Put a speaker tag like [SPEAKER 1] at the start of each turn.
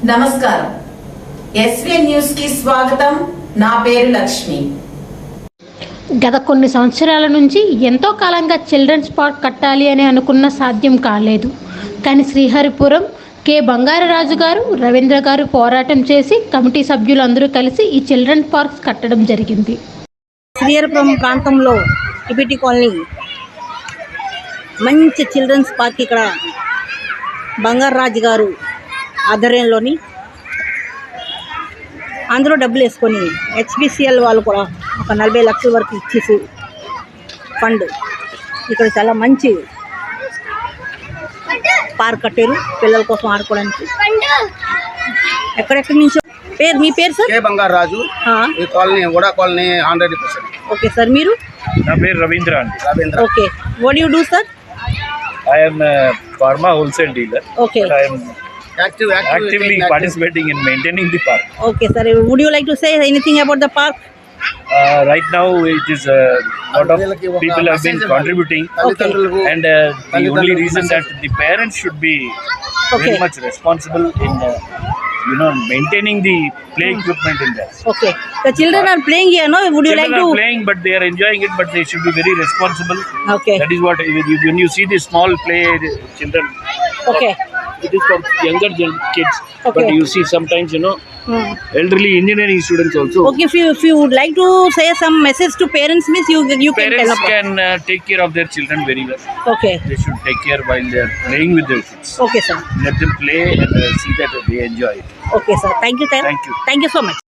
[SPEAKER 1] నమస్కారం. SVN news కి స్వాగతం. నా పేరు లక్ష్మి.
[SPEAKER 2] గత కొన్ని సంవత్సరాల నుంచి ఎంతో కాలంగా చిల్డ్రన్స్ పార్క్ కట్టాలి అని అనుకున్న సాధ్యం కాలేదు. కానీ శ్రీహరిపురం కె బంగారరాజు గారు, రవీంద్ర గారు పోరాటం చేసి కమిటీ సభ్యులందరూ కలిసి ఈ చిల్డ్రన్ పార్క్స్ కట్టడం జరిగింది.
[SPEAKER 3] శ్రీహరిపురం ప్రాంతంలో టిబిటీ కాలనీ మంచి చిల్డ్రన్స్ పార్క్ ఇక్కడ బంగారరాజు గారు ఆధ్వర్యంలోని అందరూ డబ్బులు వేసుకొని హెచ్పిసిఎల్ వాళ్ళు కూడా ఒక 40 లక్షల వరకు ఇచ్చేసి ఫండ్ ఇక్కడ చాలా మంచి పార్క్ కట్టారు పిల్లల కోసం ఆడుకోవడానికి. ఎక్కడెక్కడి నుంచో మీ పేరు సార్?
[SPEAKER 4] కే బంగారరాజు. ఈ కాలనీ కూడా కాలనీ 100%.
[SPEAKER 3] ఓకే సార్, మీరు?
[SPEAKER 5] నా పేరు రవీంద్ర అండి.
[SPEAKER 3] Ravindra. Okay, what you do sir?
[SPEAKER 5] I am a pharma wholesale dealer.
[SPEAKER 3] Okay.
[SPEAKER 5] But I am actively participating in maintaining the park.
[SPEAKER 3] Okay sir, would you like to say anything about the park?
[SPEAKER 5] Right now it is a lot of people have been contributing.
[SPEAKER 3] Okay.
[SPEAKER 5] And the only reason that the parents should be very much responsible in maintaining the play equipment in there.
[SPEAKER 3] Okay, the children are playing here, no? Would you like to?
[SPEAKER 5] Children are playing, but they are enjoying it, but they should be very responsible.
[SPEAKER 3] Okay.
[SPEAKER 5] That is what when you see the small play children.
[SPEAKER 3] Okay.
[SPEAKER 5] It is for younger kids.
[SPEAKER 3] Okay.
[SPEAKER 5] But you see sometimes elderly engineering students also.
[SPEAKER 3] Okay, if you would like to say some message to parents, means you can
[SPEAKER 5] Parents
[SPEAKER 3] tell
[SPEAKER 5] can take care of their children very well.
[SPEAKER 3] Okay.
[SPEAKER 5] They should take care while they are playing with their kids.
[SPEAKER 3] Okay sir.
[SPEAKER 5] Let them play and see that they enjoy it.
[SPEAKER 3] Okay sir, thank you sir.
[SPEAKER 5] Thank you.
[SPEAKER 3] Thank you so much.